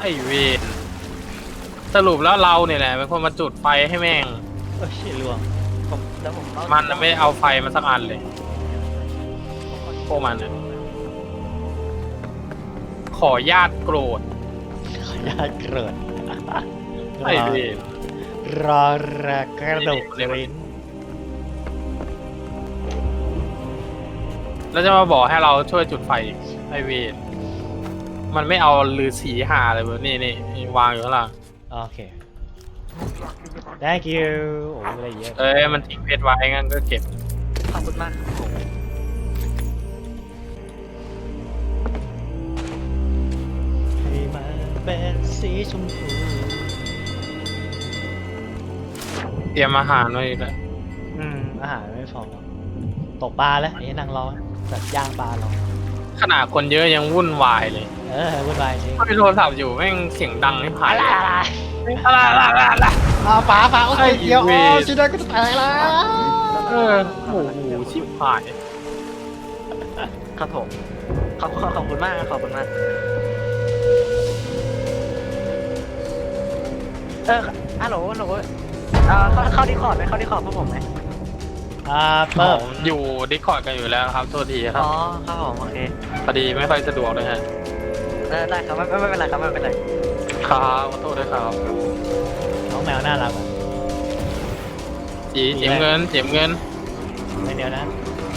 อ้เวนสรุปแล้วเราเนี่ยแหละเป็นคนมาจุดไฟให้แม่งโอ้ยลวงแล้วผมมันไม่เอาไฟมาสักอันเลยพวกมันเนี่ยขอญาติโกรธขออนุญาตเกิดไอ้เวนรอระกระดกลิ้นแล้วจะมาบอกให้เราช่วยจุดไฟอีกไอ้เวนมันไม่เอาลือสีหาเลยเว้ยนี่วางอยู่ข้างล่างโอเค thank you โอ้ยอะไรเยอะเอ้ยมันทิ้งเพชรไว้งั้นก็เก็บขอบคุณมากครับผมให้มันเป็นสีชมพูเตรียมอาหารไว้อีกแล้วอาหารไม่พอตกปลาแล้วไอ้นางรอแบบย่างปลารอขนาดคนเยอะยังวุ่นวายเลยวุ่นวายจริงถ้ามีโทรศัพท์อยู่แม่งเสียงดังไม่ผ่านอะไรอะไรปลาโอเคเดี๋ยวชิดได้ก็จะแตกแล้วโอ้โหชิบหายครับผมขอบคุณมากขอบคุณมากฮัลโหลเข้าดีคอร์ดไหมเข้าดีคอร์ดพวกผมไหมเปิดอยู่ดิสคอร์ดกันอยู่แล้วครับโทษทีครับอ๋อครับผมโอเคพอดีไม่ค่อยสะดวกเลยฮะได้ครับไม่เป็นไรครับไม่เป็นไรครับขอโทษด้วยครับน้องแมวน่ารักจีเจียมเงินไม่เดียวนะ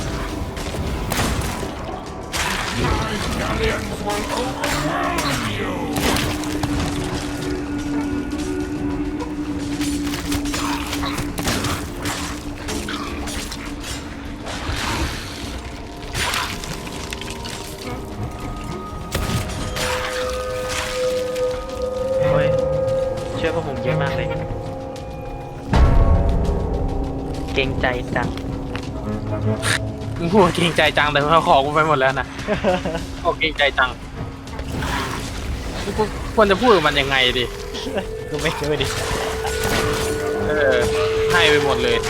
โอ้ยช่วยพวกผมเยอะมากเลยเกรงใจจังมึงพูดเกรงใจจังแต่เขาขอกูไปหมดแล้วนะขอเกรงใจจังกูควรจะพูดกับมันยังไงดิกูไม่ช่วยดิให้ไปหมดเลย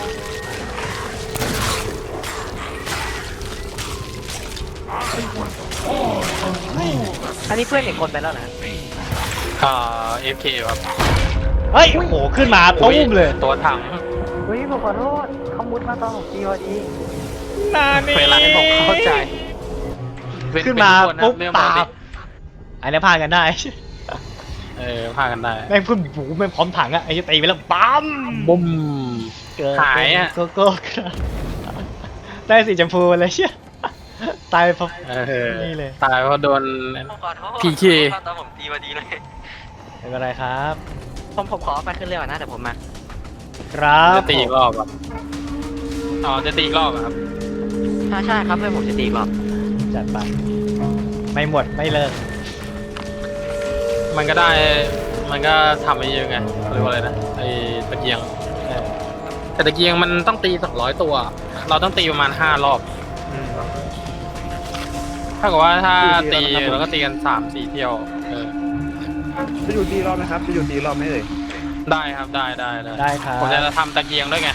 อันนี้เพื่อนอีกคนไปแล้วนะ FK ครับเฮ้ยโอ้โหขึ้นมาตุ้มเลยตัวถังเฮ้ยผมขอโทษเขามุดมาตอนผมตีพอดีเวลาให้ผมเข้าใจขึ้นมาปุ๊บเรื่องปาดิบอันนี้พากันได้พากันได้แม่งขึ้นหูแม่งพร้อมถังอะไอ้ตีไปแล้วปั๊มบุ้มเกิดหายอะโกโก้ได้สีชมพูเลยเชี่ยตายเพราะ นี่เลยตายเพราะโดนผมขอโทษ PK ตอนผมตีพอดีเลยไม่เป็นไรครับผมขอไปขึ้นเรือก่อนนะเดี๋ยวผมมาครับจะตีอีกรอบอ่ะจะตีอีกรอบอะครับใช่ครับเพื่อนผมจะตีอีกรอบจัดไปไม่หมดไม่เลิกมันก็ได้มันก็ทำไปเยอะไงเรียกว่าอะไรนะไอ้ตะเกียงเออแต่ตะเกียงมันต้องตี200ตัว เราต้องตีประมาณ5 รอบอืมถ้ากับว่าถ้าตีเราก็ตีกัน3-4 เที่ยวจะอยู่ตีรอบไหมครับจะอยู่ตีรอบไหมเอ่ยได้ครับได้ได้ครับผมจะทำตะเกียงด้วยไง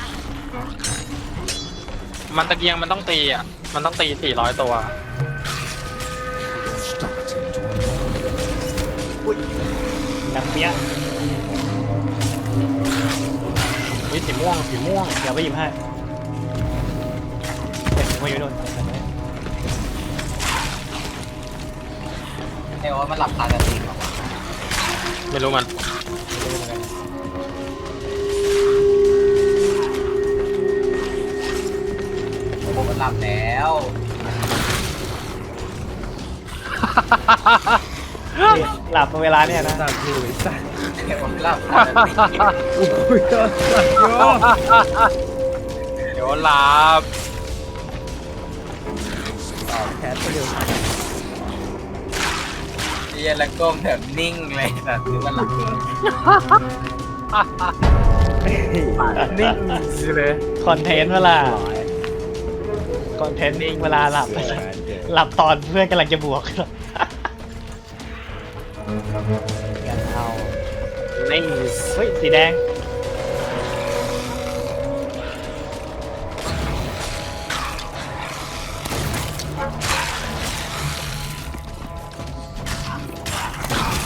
มันตะเกียงมันต้องตีอ่ะมันต้องตี400 ตัวหนังเปี้ยวิสีม่วงเดี๋ยวไปหยิบให้เด็กมาอยู่โน่นเดี๋ยวมันหลับตากันจริงหรอไม่รู้มันมันหลับแล้วหลับเวลาเนี่ยนะสัตว์อยู่ไอ้สัตว์มันหลับอุ้ยก็สัตว์โยเดี๋ยวหลับแคสไปเร็วเรียนแล้วก้มแบบนิ่งเลยแบบคือมันหลับนิ่งเลยคอนเทนต์เวลาคอนเทนต์เวลาหลับหลับตอนเพื่อนกำลังจะบวกกันเอานิ่งเฮ้ยสีแดง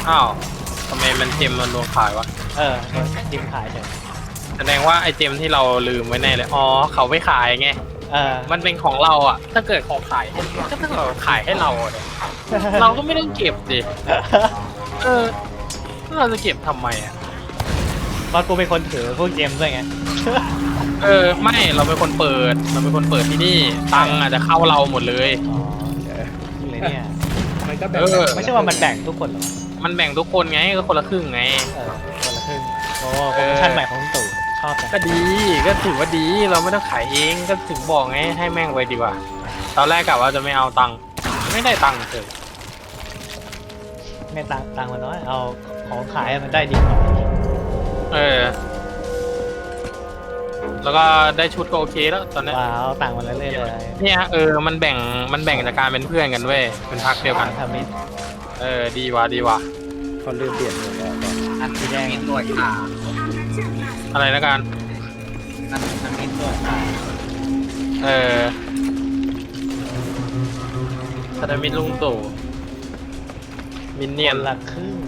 อ้าวทำไมมันเจมมันรวมขายวะจิ้มขายเฉยแสดงว่าไอเจมที่เราลืมไว้แน่เลยอ๋อเขาไม่ขายไงมันมันเป็นของเราอ่ะถ้าเกิดของขายก็ถ้าเกิดขายให้เราเนี่ยเราก็ไม่ต้องเก็บดิเราจะเก็บทำไมอ่ะตอนกูเป็นคนถือพวกเกมด้วยไงไม่เราเป็นคนเปิดที่นี่ตังค์อาจจะเข้าเราหมดเลยอ๋อเลยเนี่ยมันก็แบบไม่ใช่ว่ามันแบ่งทุกคนหรอมันแบ่งทุกคนไงก็คนละครึ่งไงคนละครึ่งโอ้โปรโมชั่นใหม่ของตู่ชอบจังก็ดีก็ถือว่าดีเราไม่ต้องขายเองก็ถึงบอกไงให้แม่งไว้ดีกว่าตอนแรกกะว่าจะไม่เอาตังค์ไม่ได้ตังค์เลยไม่ตังมันน้อยเอาของขายมันได้ดีกว่าแล้วก็ได้ชุดก็โอเคแล้วตอนนี้ว้าวต่างมันเรื่อยๆเลยเนี่ยมันแบ่งจากการเป็นเพื่อนกันเว้ยเป็นพักเดียวกันทำมิดดีว่ะเขาลืมเปลี่ยนหมดแล้วอันสีแดงมีตัวขาอะไรนะกันมันมีตัวขาสนามมิตรลุงตู่มินเนี่ยนละครึ่ง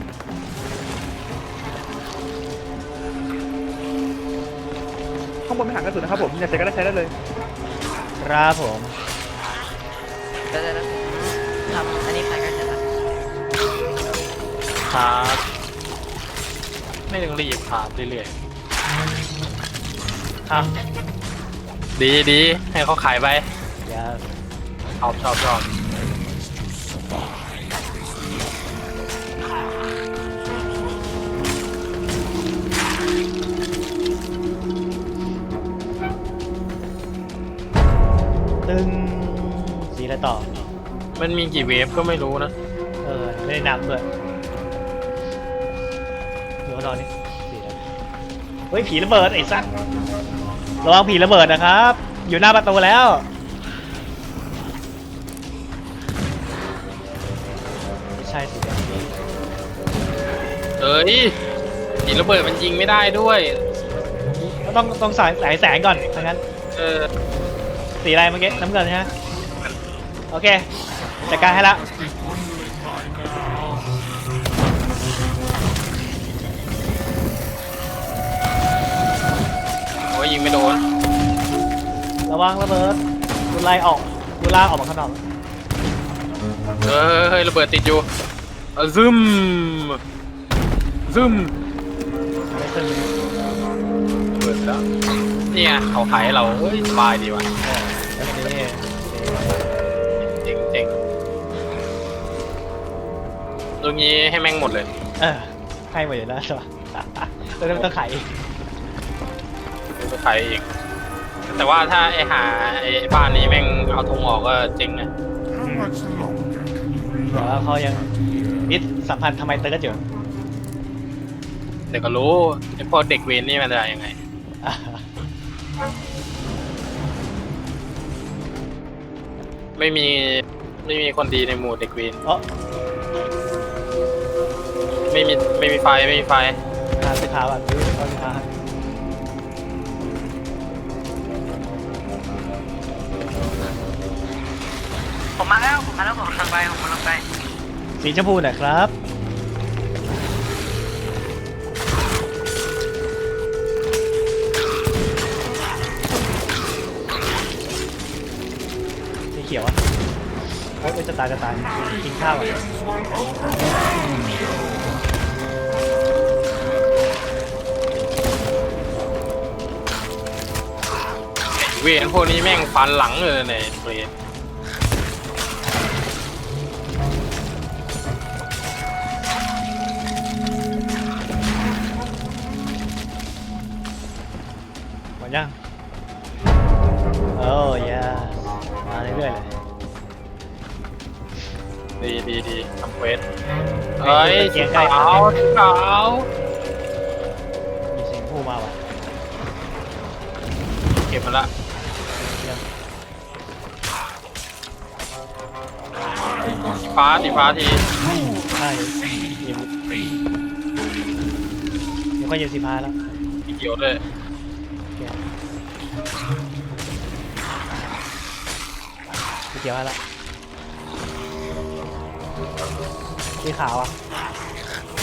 ข้างบนไม่ห่างกระสุนนะครับผมอยากใช้ก็ได้ใช้ได้เลยครับผมเดี๋ยวทำอันนี้ใครกันจะทครับไม่ต้องรีบครับเรื่อยอ่ะๆดีให้เขาขายไปเดี๋ยวชอบตึงสีอะไรต่อมันมีกี่เวฟก็ไม่รู้นะไม่ได้นับด้วยดูเขานอนนี่สีอะไรเฮ้ยผีระเบิดไอ้สัสระวังผีระเบิดนะครับ อยู่หน้าประตูแล้วไม่ใช่สีแดงหินระเบิดมันยิงไม่ได้ด้วยก็ต้องสายแสงก่อนทั้งนั้น สีอะไรเมื่อกี้น้ำเงินใช่ไหมโอเคจัดการให้ละโอ้ยยิงไม่โดนระวังระเบิดดูไล่ออกดูล่าออกมาข้างนอกเฮ้ยระเบิดติดอยู่ซึมไม่ขึ้นระเบิดแล้วเนี่ยเขาขายให้เราเฮ้ยสบายดีว่ะแล้วทีนี้เจ๋งตรงนี้ให้แม่งหมดเลยให้หมดอยู่แล้วใช่ปะแล้วต้องขายอีกไปขายเองแต่ว่าถ้าไอ้บ้านนี้แม่งเอาธงออกก็เจ๋งนะแต่ว่าเขายังมิตรสัมพันธ์ทำไมเติร์ดอยู่เดี๋ยวก็รู้ไอ้พวกเด็กเวรนี่มันจะยังไง ไม่มีคนดีในหมู่เด็กเวรอ๋อไม่มีไฟทานสีขาวอ่ะดูเขาสีขาวผมมาแล้วผมกำลังไปสีชมพูหน่อยครับสีเขียวอ่ะเฮ้ยจะตายกินข้าวอ่ะเวรพวกนี้แม่งฟันหลังเลยในเวรหมดยังโอ้ยมาเรื่อยๆเลยดีทำเควสเฮ้ยสีขาวมีเสียงพูมาว่ะเก็บมันละสีฟ้าทีใช่ยิงเดี๋ยวก็ยิงสีฟ้าแล้วสีเขียวด้วยสีเขียวให้ละสีขาวอ่ะ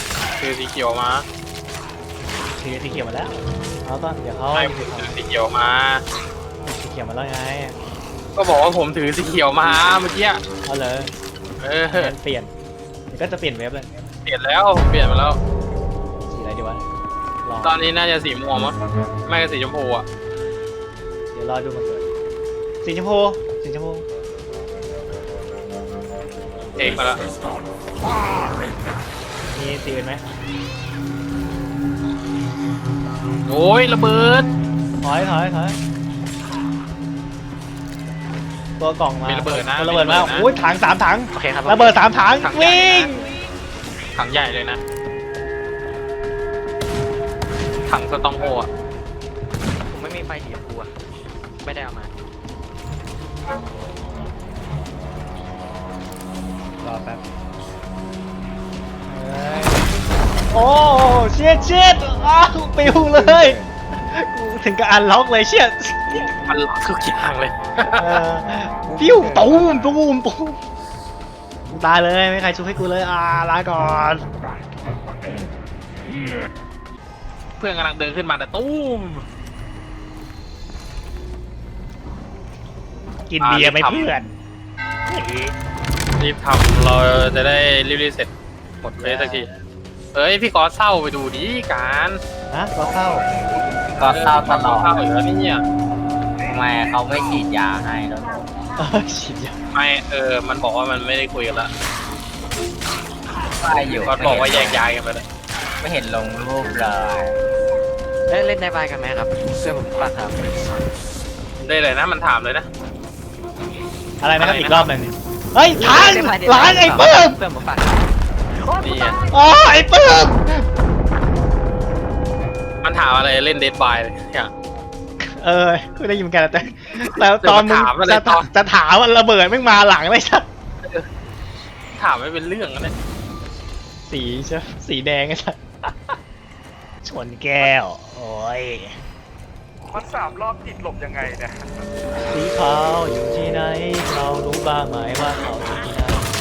ถือสีเขียวมาถือสีเขียวมาแล้วเอาต้นเดี๋ยวเขาไม่ถือถือสีเขียวมาสีเขียวมาแล้วไงก็บอกว่าผมถือสีเขียวมาเมื่อกี้เอาเลยเออเปลี่ยนเดี๋ยวก็จะเปลี่ยนเว็บเลยเปลี่ยนแล้วเปลี่ยนมาแล้วสีอะไรดีวะลองตอนนี้น่าจะสีม่วงมั้งไม่ก็สีชมพูอ่ะเดี๋ยวรอดูมันเกิดสีชมพูสีชมพูเอกมาแล้วมีสีอื่นไหมโอ้ยระเบิดถอยตัวกล่องมามีระเบิดนะตัวระเบิดมีระมาเบิดนะโอ้ยถัง3 ถังโอเคครับระเบิด3 ถังถังใหญ่วิ่งนะ ถังใหญ่เลยนะถังสตองโฮอ่ะผมไม่มีไฟสีชมพูอะไม่ได้เอามารอแป๊บโอ้เชียดอ้าวปิวเลยกูถึงกับอันล็อกเลยเชียดมันล็อกทุกอย่างเลยปิ้วตูมตายเลยไม่มีใครช่วยให้กูเลยลาก่อนเพื่อนกำลังเดินขึ้นมาแต่ตุ้มกินเบียร์ไหม่เพื่อนรีบทำเราจะได้รีบๆเสร็จหมดเฟสสักทีเอ้ยพี่กอเศร้าไปดูดิการนะก็เข้าก็เศร้าตลอดเศร้าอยู่แล้วเนี่ยทำไมเขาไม่ฉีดยาให้แล้วฉีดยาไม่มันบอกว่ามันไม่ได้คุยกันละก็อยู่ก็บอกว่าแยกย้ายกันไปเลยไม่เห็นลงรูปเลยเล่นในบายกันไหมครับเพื่อนผมปัดครับได้เลยนะมันถามเลยนะอะไรนะครับอีกรอบหนึ่งเฮ้ยทันล้างไอ้ปื้มเพื่อนผมปัดดีอ่ะอ๋อไอ้ปื้มมันถามอะไรเล่นเดดบายเลยเนี่ยกูได้ยินเหมือนกันแต่ตอนมึงถามอะไรตอนจะถามว่าระเบิดไม่มาหลังเลยชัดถามไม่เป็นเรื่องนะเนี่ยสีใช่สีแดงไอ้ชัดชนแก้วโอ้ยมัน3 รอบติดหลบยังไงเนี่ยสีขาวอยู่ที่ไหนเรารู้บ้างไหมว่าเขาอยู่ที่ไหน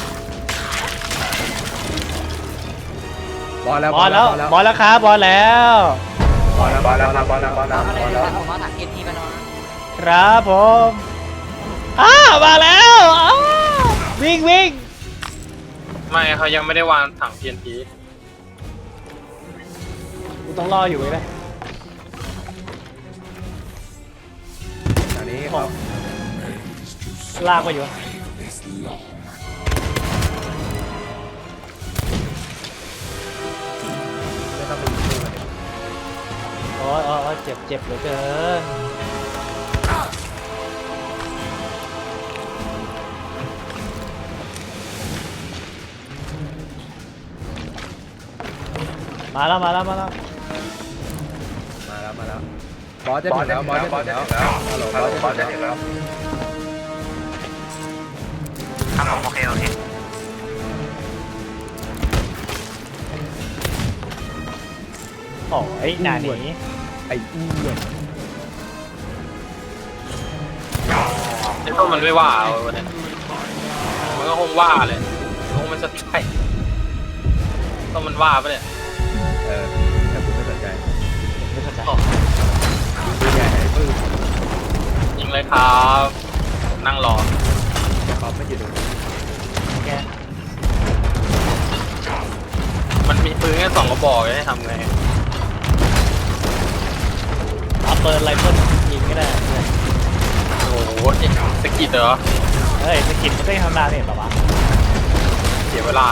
บอลแล้วบอลแล้วครับบอลแล้วบอลแล้วอะไรนะผมเอาถังเอ็นทีมานอนครับผมมาแล้ววิ่งไม่เขายังไม่ได้วางถัง TNT กูต้องรออยู่เลยอันนี้ครับลากมาอยู่ไม่ต้องไปดูกันโอ้ยเจ็บเหลือเกินมาแล้วมาแล้วบอสจะถึงแล้วฮัลโหลบอสจะถึงแล้วครับผมโอเคโอ้ยหน้าหนีไอ้อ้วนไอ้ต้นมันไม่ว่าเอาวันนี้มันก็คงว่าเลยคงมันสติไข่ต้นมันว่าปะเนี่ยแต่คุณไม่สนใจไม่เข้าใจดูใหญ่ไอ้ปื้มยิงเลยครับผมนั่งรอเขาไม่อยู่ตรงนี้แกมันมีปืนแค่2 กระบอกให้ทำไงเอาเปิดไรเฟิลยิงก็ได้โอ้โหสกิดเหรอเฮ้ยสกินมันก็ยังทำนานเนี่ยหรอวะเสียเวลา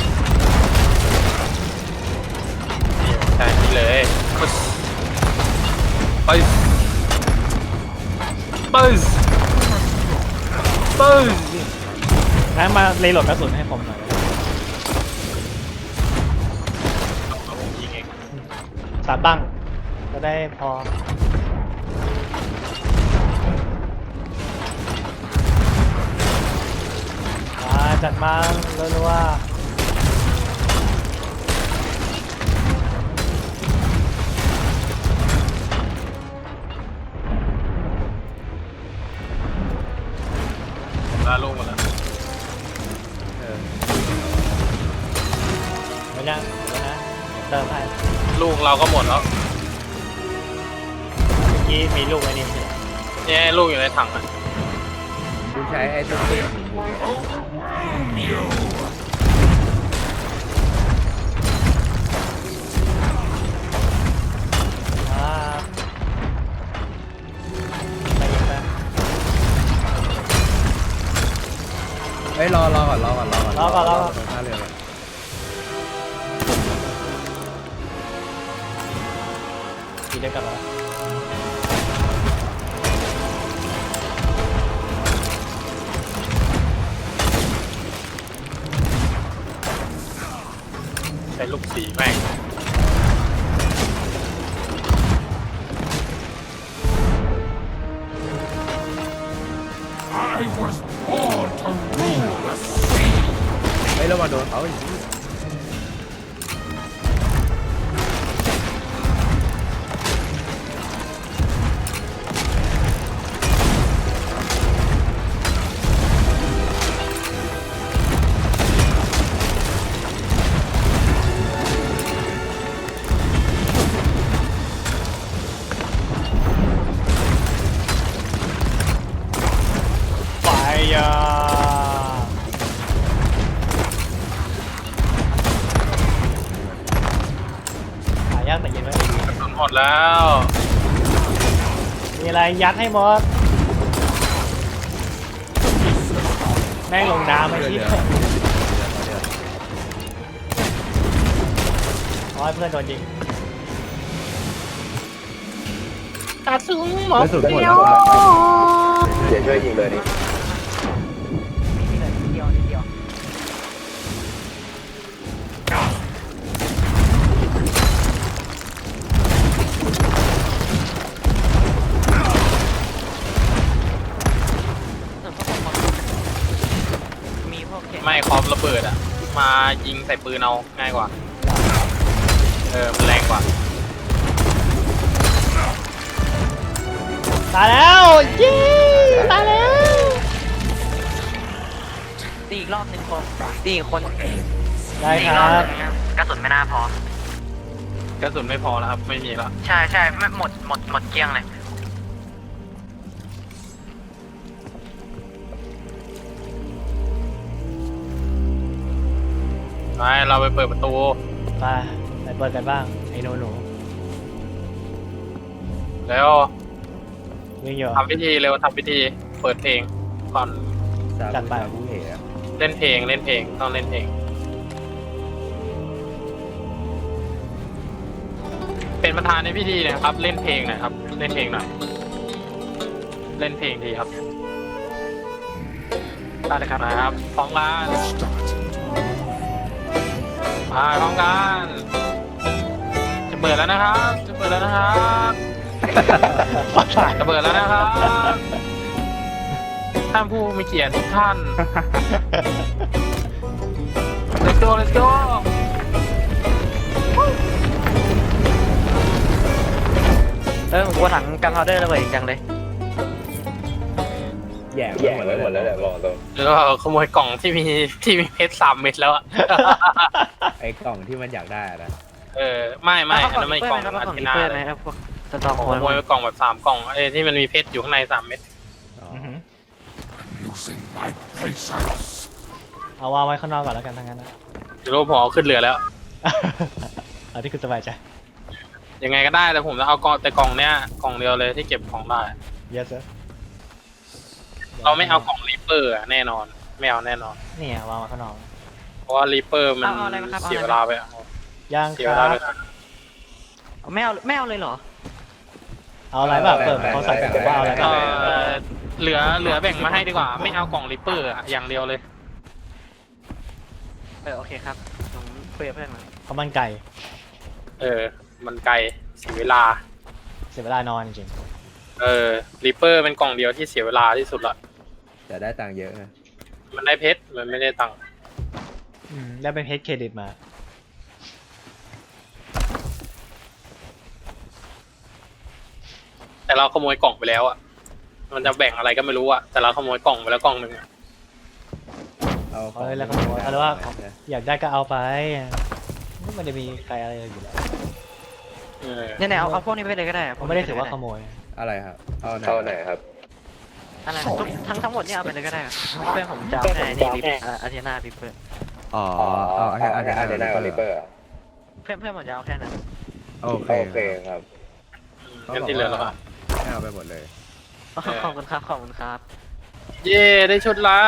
ใช่นี่เลยปึ๊สงั้นมาเลยโหลดกระสุนให้ผมหน่อยผมยิงเอง 3 บังจะได้พอจัดมารัวลาลงหมดแล้วๆไม่นะเติมให้ลูกเราก็หมดแล้วเมื่อกี้มีลูกไอ้นี่ไม่ใช่เหรอเนี่ยลูกอยู่ในถังอ่ะกูใช้ไอ้ตัวเองอ่าไปอีกไปเฮ้ยรอก่อนตรงท่าเรือก่อนทีเดียวกลับมาใช้ลูกสีแม่งเฮ้ยระวังโดนเขาอีกทีไฟยาหายากแต่เย็นไว้กระสุนหมดแล้วมีอะไรยัดให้หมดแม่งลงน้ำไอ้ที่ร้อยเพื่อนโดนยิงกระสุนหมดกระสุนหมดแล้วเดี๋ยวช่วยยิงเลยนี่นี่เลยนิดเดียวนิดเดียว มีพวกเข็มไม่คอมระเบิดอ่ะ มายิงใส่ปืนเอาง่ายกว่า มันแรงกว่าตายแล้วยี่ตายแล้วตีอีกรอบหนึ่งคนตีอีกคนได้คตีอีกรัอบบหนึ่งนะกระสุนไม่น่าพอกระสุนไม่พอแล้วครับ ไม่มีแล้วใช่ใช่ไม่หมดเกลี้ยงเลยไปเราไปเปิดประตูไปเปิดกันบ้างไอ้หนูแล้ววิ่งอยู่ทำพิธีเร็วทำพิธี เปิดเพลงก่อนจัดไปผู้เหตุเล่นเพลงต้องเล่นเพลง เป็นประธานในพิธีนะครับ เล่นเพลงหน่อยครับ เล่นเพลงหน่อย เล่นเพลงทีครับได้เลยครับพร้อมกันมาพร้อมกันจะเปิดแล้วนะครับจะเปิดแล้วนะครับจะเปิดแล้วนะครับท่านผู้มีเกียรติทุกท่าน let's go let's go ผมกลัวถังกันพาวเดอร์ระเบิดอีกจังเลยแย่หมดแล้วแหละบอกตรงแล้วก็ขโมยกล่องที่มีเพชร3 เม็ดแล้วอะไอ้กล่องที่มันอยากได้นะไม่อันนั้นไม่กล่องครับอันของที่ลิหน้าเปอร์เลไหมยครับพวกสตอขโคนโมยกล่องแบบ3 กล่องที่มันมีเพชรอยู่ข้างใน3 เม็ดอือหือเอาวางไว้ข้างนอกก่อนแล้วกันทั้งนั้นนะรูปหอขึ้นเรือแล้วเอาที่คุณสบายใจยังไงก็ได้แต่ผมจะเอากล่องแต่กล่องเนี้ยกล่องเดียวเลยที่เก็บของได้ yes sir เราไม่เอากล่องรีเปอร์แน่นอนไม่เอาแน่นอนเนี่ยวางไว้ข้างนอกเพราะว่ารีเปอร์มันเอาอะไรมาครับเสียเวลาไปเอาย่างเสียคเวรัลาบเลยนะไม่เอาเลยเหรอเอาอะไรบ้างเปิดเขาใส่แบบว่าเอาอะไรบ้างเหลือแบ่งมาให้ดีกว่า ไม่เอากล่องรีเปอร์อย่างเดียวเลยโอเคครับผมคุยกับเพื่อนมาข้าวมันไก่มันไกลเสียเวลาเสียเวลานอนจริงรีเปอร์เป็นกล่องเดียวที่เสียเวลาที่สุดละแต่ได้ตังค์เยอะนะมันได้เพชรมันไม่ได้ตังค์ได้เป็นเพชรเครดิตมาแต่เราขโมยกล่องไปแล้วอ่ะมันจะแบ่งอะไรก็ไม่รู้อ่ะแต่เราขโมยกล่องไปแล้วกล่องหนึ่งอะเอาเลยแล้วก็บอกว่าเอาเลยว่าอยากได้ก็เอาไปมันจะมีใครอะไรอยู่แล้วเนี่ยเอาพวกนี้ไปเลยก็ได้ผมไม่ได้ถือว่าขโมยอะไรครับเอาไหนครับอะไรทั้งหมดเนี่ยเอาไปเลยก็ได้เพื่อนผมจะเอาแค่นี่ลิปอาเทนาพิเปอร์อ๋อเอาอันนี้กับลิปเปอร์เพื่อนผมจะเอาแค่นั้นโอเคครับงั้นที่เหลือเราก็ให้เอาไปหมดเลยขอบคุณครับขอบคุณครับเย่ได้ชุดแล้ว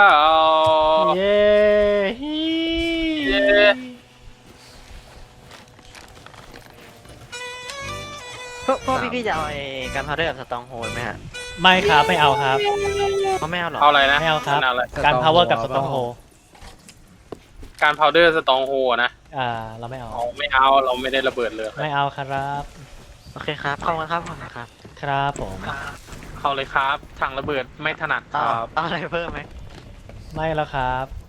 เย้เย้พวกพี่จะเอาไอ้การพาวเดอร์กับสตองโฮลไหมฮะไม่ครับไม่เอาครับเขาไม่เอาหรอเอาอะไรนะไม่เอาครับเอาอะไรการ power กับ strong hold การพาวเดอร์สตองโฮนะเราไม่เอาเอาไม่เอาเราไม่ได้ระเบิดเลยไม่เอาครับโอเคครับขอบคุณครับขอบคุณครับครับผมเข้าเลยครับถังระเบิดไม่ถนัดครับเอาอะไรเพิ่มไหมไม่แล้วครับ